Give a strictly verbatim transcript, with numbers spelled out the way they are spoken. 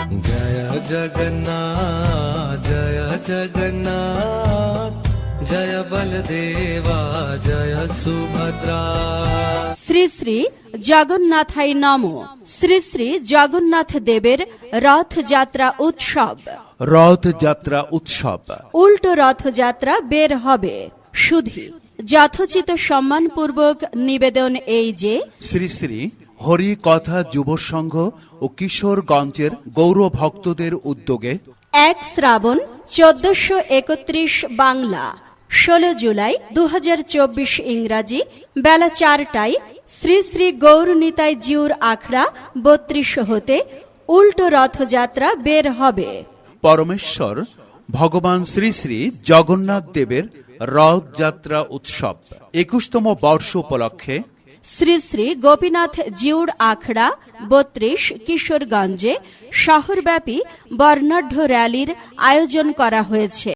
জয় জগন্নাথ জয় জগন্নাথ জয় বলদেবা জয় সুভদ্রা। শ্রী শ্রী জগন্নাথাই নমঃ। শ্রী শ্রী জগন্নাথ দেবের রথযাত্রা উৎসব। রথযাত্রা উৎসব উল্টো রথযাত্রা বের হবে। শুধু যথোচিত সম্মানপূর্বক নিবেদন এই যে শ্রী শ্রী হরি কথা যুব সংঘ ও কিশোরগঞ্জের গৌর ভক্তদের উদ্যোগে এক শ্রাবণ চোদ্দশো একত্রিশ বাংলা, ষোলো জুলাই দু হাজার চব্বিশ ইংরাজি বেলা চারটায় শ্রী শ্রী গৌরনিতাই জিউর আখড়া বত্রিশ হতে উল্টো রথযাত্রা বের হবে। পরমেশ্বর ভগবান শ্রী শ্রী জগন্নাথ দেবের রথযাত্রা উৎসব একুশতম বর্ষ উপলক্ষে শ্রী শ্রী গোপীনাথ জিউর আখড়া বত্রিশ কিশোরগঞ্জে শহরব্যাপী বর্ণাঢ্য র্যালির আয়োজন করা হয়েছে।